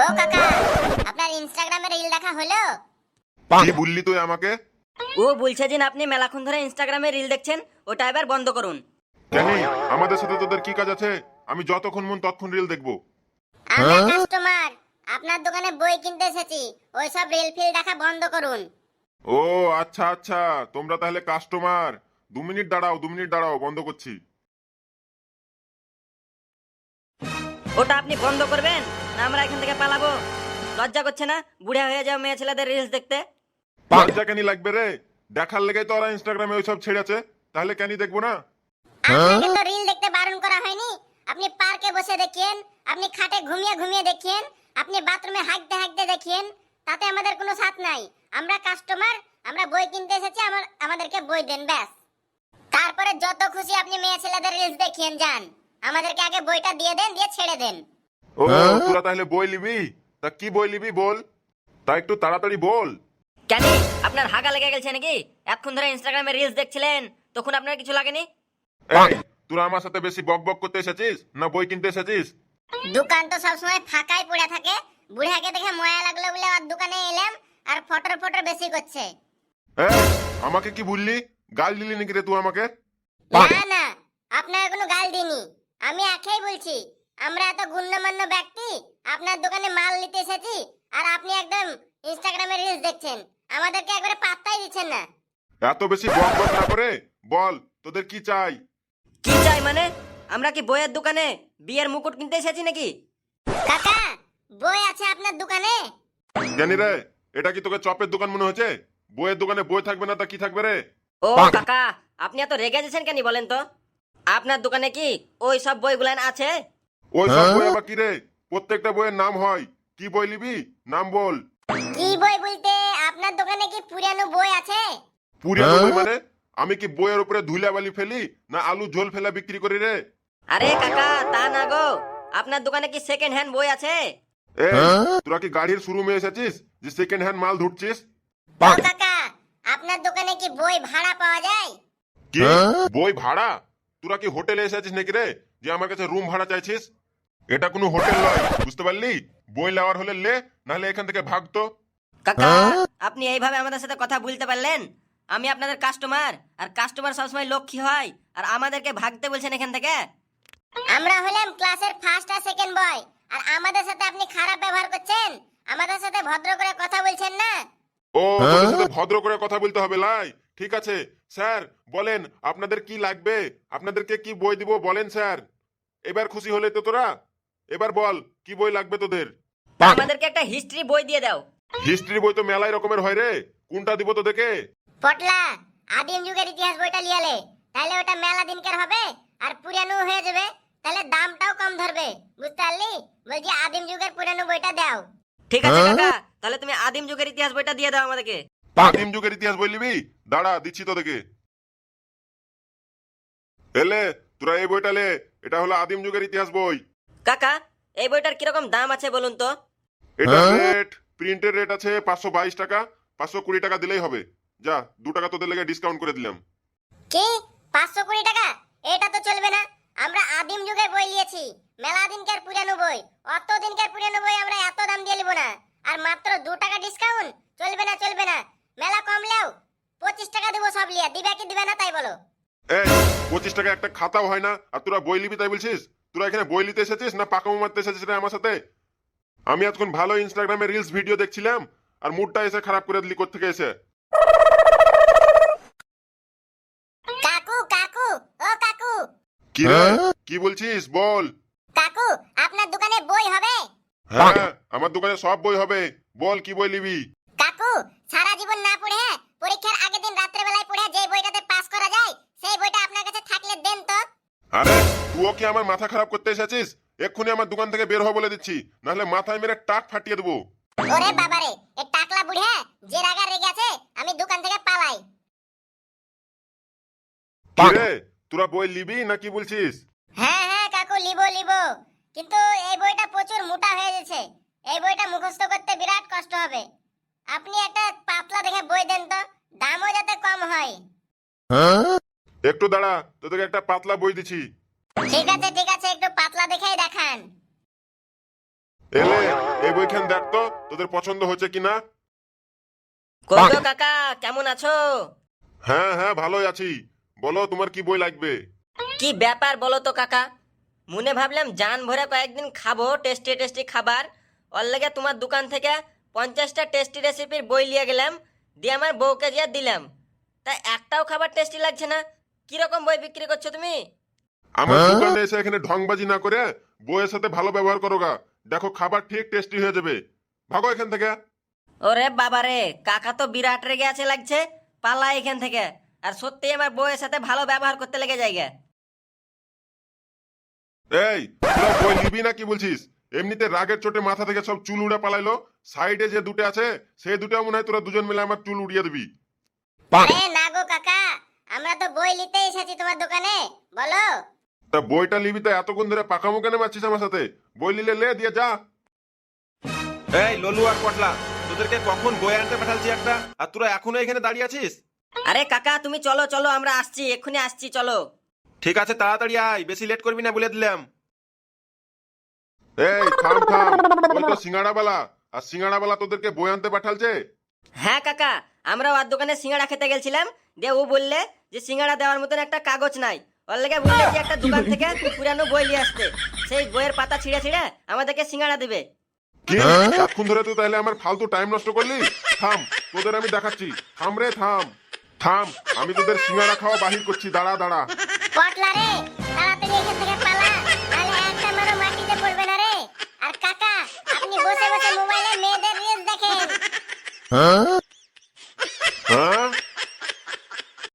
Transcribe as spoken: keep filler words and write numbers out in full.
কাকা, আপনার ইনস্টাগ্রামে রিল দেখা হলো? কি বললি তুই আমাকে? ও বলছে যে আপনি মেলাক্ষণ ধরে ইনস্টাগ্রামে রিল দেখছেন, ওটা এবার বন্ধ করুন। কেন? আমাদের সাথে তোদের কি কাজ আছে? আমি যতক্ষণ মন ততক্ষণ রিল দেখবো। আমরা কাস্টমার, আপনার দোকানে বই কিনতে এসেছি, ওইসব রিল ফিল দেখা বন্ধ করুন। ও আচ্ছা আচ্ছা, তোমরা তাহলে কাস্টমার। দু মিনিট দাঁড়াও, দু মিনিট দাঁড়াও, বন্ধ করছি। ওটা আপনি বন্ধ করবেন না আমরা এখান থেকে পালাবো? লজ্জা করছে না বুড়া হয়ে যাও মেয়ে ছেলেদের রিলস দেখতে? লজ্জা কেন লাগবে রে? দেখার লেগে তো ওরা ইনস্টাগ্রামে ওইসব ছেড়েছে, তাহলে কেন দেখবো না? আপনাকে তো রিল দেখতে বারণ করা হয়নি। আপনি পার্কে বসে দেখেন, আপনি খাটে ঘুমিয়ে ঘুমিয়ে দেখেন, আপনি বাথরুমে হাঁকতে হাঁকতে দেখেন, তাতে আমাদের কোনো সাথ নাই। আমরা কাস্টমার, আমরা বই কিনতে এসেছি, আমার আমাদেরকে বই দেন ব্যাস। তারপরে যত খুশি আপনি মেয়ে ছেলেদের রিলস দেখিয়েন যান, আমাদেরকে আগে বইটা দিয়ে দেন, দিয়ে ছেড়ে দেন। ও তোরা তাহলে বই লিবি? তা কি বই লিবি বল, তা একটু তাড়াতাড়ি বল। কেন আপনার হাগা লেগে গেছে নাকি? এতক্ষণ ধরে ইনস্টাগ্রামে রিলস দেখছিলেন, তখন আপনার কিছু লাগেনি? এই তোরা আমার সাথে বেশি বক বক করতে এসেছিস না বই কিনতে এসেছিস? দোকান তো সবসময় ফাঁকাই পড়ে থাকে, বুড়াকে দেখে ময়া লাগলো বলে আর দোকানে এলাম, আর ফটর ফটর বেশি করছে। এই আমাকে কি বললি? গাল দিলি নাকি রে তুই আমাকে? না না, আপনাকে কোনো গাল দিইনি, আমি একাই বলছি। আমরা এত গুণ্যমান্য ব্যক্তি, আপনার দোকানে মাল নিতে এসেছি, আর আপনি একদম ইনস্টাগ্রামে রিলস দেখছেন, আমাদেরকে একবারে পাত্তাই দিচ্ছেন না। এত বেশি বক বক না করে বল তোদের কি চাই? কি চাই মানে? আমরা কি বইয়ের দোকানে বিয়ের মুকুট কিনতে এসেছি নাকি? কাকা, বই আছে আপনার দোকানে? জানি রে, এটা কি তোকে চপের দোকান মনে হচ্ছে? বইয়ের দোকানে বই থাকবে না তা কি থাকবে রে? ও কাকা, আপনি এত রেগে যাচ্ছেন কেন বলেন তো? আপনার দোকানে কি ওই সব বইগুলো আছে? ওই সব বই আবার কি রে? প্রত্যেকটা বইয়ের নাম হয়। কি বই নিবি নাম বল। কি বই বলতে আপনার দোকানে কি পুরানো বই আছে? পুরানো বই মানে? আমি কি বইয়ের উপরে ধুলা বালি ফেলি না আলু ঝোল ফেলা বিক্রি করি রে? আরে কাকা তা না গো, আপনার দোকানে কি সেকেন্ড হ্যান্ড বই আছে? এ তোরা কি গাড়ির শোরুমে এসেছিস যে সেকেন্ড হ্যান্ড মাল ধুটছিস? ও কাকা, আপনার দোকানে কি বই ভাড়া পাওয়া যায়? কি বই ভাড়া? তোরা কি হোটেলে এসেছিস নাকি রে যে আমার কাছে রুম ভাড়া চাইছিস? এটা কোনো হোটেল নয়, বুঝতে পারলি? বই নেওয়ার হলে লে, নাহলে এখান থেকে ভাগতো। কাকা আপনি এইভাবে আমাদের সাথে কথা বলতে পারলেন? আমি আপনাদের কাস্টমার, আর কাস্টমার সবসময় লক্ষ্মী হয়, আর আমাদেরকে ভাগতে বলছেন এখান থেকে? আমরা হলাম ক্লাসের ফার্স্ট আর সেকেন্ড বয়, আর আমাদের সাথে আপনি খারাপ ব্যবহার করছেন, আমাদের সাথে ভদ্র করে কথা বলছেন না। ও তোদের সাথে ভদ্র করে কথা বলতে হবে লাই? ঠিক আছে স্যার, বলেন আপনাদের কি লাগবে, আপনাদেরকে কি বই দিব বলেন স্যার। এবার খুশি হলে তো তোরা? এবার বল কি বই লাগবে তোদের? আমাদেরকে একটা হিস্ট্রি বই দিয়ে দাও। হিস্ট্রি বই তো মেলাই রকমের হয় রে, কোনটা দিব তোদেরকে? পটলা, আদিম যুগের ইতিহাস বইটা লিয়ালে, তাহলে ওটা মেলা দিনকার হবে আর পুরানো হয়ে যাবে, তাহলে দামটাও কম ধরবে, বুঝতে পারলি? বলছি আদিম যুগের পুরানো বইটা দাও। ঠিক আছে কাকা, তাহলে তুমি আদিম যুগের ইতিহাস বইটা দিয়ে দাও আমাদেরকে। আদিম যুগের ইতিহাস বই নিবি? দাঁড়া দিচ্ছি তোদেরকে। এলে তোরা এই বইটা লে, এটা হলো আদিম যুগের ইতিহাস বই। কাকা এই বইটার কিরকম দাম আছে বলুন তো? এটা রেট, প্রিন্টের রেট আছে পাঁচশো বাইশ টাকা, পাঁচশো কুড়ি টাকা দিলেই হবে। যা, দু টাকা তোদের লেগে ডিসকাউন্ট করে দিলাম। কি পাঁচশো কুড়ি টাকা? এটা তো চলবে না, আমরা আদিম যুগের বই নিয়েছি, মেলা দিনকার পুরানো বই, অত দিনকার পুরানো বই আমরা এত দাম দিয়ে নিব না। আর মাত্র দু টাকা ডিসকাউন্ট? চলবে না চলবে না, মেলা কমলেও পঁচিশ টাকা দেবো সব লিয়া, দিবে কি দিবে না তাই বলো। এই পঁচিশ টাকা একটা খাতাও হয় না, আর তোরা বই নিবি তাই বলছিস? তোরা এখানে বই নিতে এসেছিস না পাকামো মারতে এসেছিস রে আমার সাথে? আমি এতক্ষণ ভালো ইনস্টাগ্রামে রিলস ভিডিও দেখছিলাম, আর মুডটা এসে খারাপ করে দিলি কোত্থেকে এসে। কাকু কাকু, ও কাকু। কি রে কি বলছিস বল। কাকু, আপনার দোকানে বই হবে? হ্যাঁ আমার দোকানে সব বই হবে, বল কি বই নিবি? কাকু, সারা জীবন না পড়ে পরীক্ষার আগের দিন রাত্রে বেলায় পড়ে যে বইটাতে পাস করা যায়, সেই বইটা আপনার কাছে থাকলে দেন তো। আরে তুইও কি আমার মাথা খারাপ করতে এসেছিস? এক্ষুনি আমার দোকান থেকে বের হ বলে দিচ্ছি, নাহলে মাথায় মেরে টাক ফাটিয়ে দেবো। ওরে বাবারে, এ টাকলা বুড়া যে রাগা রেগে আছে, আমি দোকান থেকে পালাই। কি রে তোরা বই নিবি না কি বলছিস? হ্যাঁ হ্যাঁ কাকু, লিবো লিবো, কিন্তু এই বইটা প্রচুর মোটা হয়ে গেছে, এই বইটা মুখস্থ করতে বিরাট কষ্ট হবে। আপনি একটা পাতলা দেখে বই দেন তো, দামও যাতে কম হয়। একটু দাঁড়া, তোদেরকে একটা পাতলা বই দিচ্ছি। ঠিক আছে ঠিক আছে, একটু পাতলা দেখেই দেখান। এলে এই বইখান দেখ তো তোদের পছন্দ হয়েছে কিনা। কত কাকা কেমন আছো? হ্যাঁ হ্যাঁ ভালোই আছি, বলো তোমার কি বই লাগবে। কি ব্যাপার বলো তো কাকা, মনে ভাবলাম জান ভরে কয়েকদিন খাবো টেস্টি টেস্টি খাবার, ওর লেগে তোমার দোকান থেকে পঞ্চাশটা টেস্টি রেসিপির বই নিয়ে গেলাম, দিয়ে আমার বউকে দিয়ে দিলাম, তা একটাও খাবার টেস্টি লাগছে না। কিরকম বই বিক্রি করছো তুমি? আমার দোকানে এসে এখানে ঢংবাজি না করে বইয়ের সাথে ভালো ব্যবহার করো গা, দেখো খাবার ঠিক টেস্টি হয়ে যাবে। ভাগো এখান থেকে। ওরে বাবারে, কাকা তো বিরাট রেগে আছে লাগছে, পালা এখান থেকে। আর সত্যি আমার বউয়ের সাথে ভালো ব্যবহার করতে লেগে জায়গা। এই তোরা বই নিবি না কি বলছিস? এমনিতে রাগের চোটে মাথা থেকে সব চুল উড়ে পালাইলো, সাইডে যে দুটো আছে সেই দুটো মনে হয় তোরা দুজন মিলে আমার চুল উড়িয়ে দিবি। আরে না গো কাকা, আমরা তো বই নিতে এসেছি তোমার দোকানে, বলো। তা বইটা নিবি তো এতক্ষণ ধরে পাকামো কেন মারছিস আমার সাথে? বই নিলে লে দিয়ে যা। এই ললু আর পটলা, তোদেরকে কখন বই আনতে পাঠালছি একটা, আর তোরা এখনো এখানে দাঁড়িয়ে আছিস? আরে কাকা তুমি চলো চলো, আমরা আসছি, এক্ষুনি আসছি, চলো। ঠিক আছে তাড়াতাড়ি আয়, বেশি লেট করবি না বলে দিলাম। এই থাম থাম, ওই তো সিঙ্গাড়াওয়ালা, আর সিঙ্গাড়াওয়ালা তোদেরকে বই আনতে পাঠালছে। হ্যাঁ কাকা, আমরা ওর দোকানে সিঙ্গাড়া খেতে গেছিলাম, দিয়ে ও বললে যে সিঙ্গাড়া দেওয়ার মতন একটা কাগজ নাই, ওর লেগে বললে যে একটা দোকান থেকে পুরানো বই নিয়ে আসতে, সেই বইয়ের পাতা ছিঁড়ে ছিঁড়ে আমাদেরকে সিঙ্গাড়া দিবে। কি এতক্ষণ ধরে তুই তাহলে আমার ফালতু টাইম নষ্ট করলি? থাম, তোদের আমি দেখাচ্ছি, থাম রে থাম থাম, আমি তোদের সিঙ্গাড়া খাওয়া বাহির করছি, দাঁড়া দাঁড়া। পটলা রে, তাড়াতাড়ি এখান থেকে পালা, নাহলে একটা মারো মাটিতে পড়বে না রে। আর কাকা, আপনি বসে বসে মোবাইলে মেয়েদের রিলস দেখেন। হ্যাঁ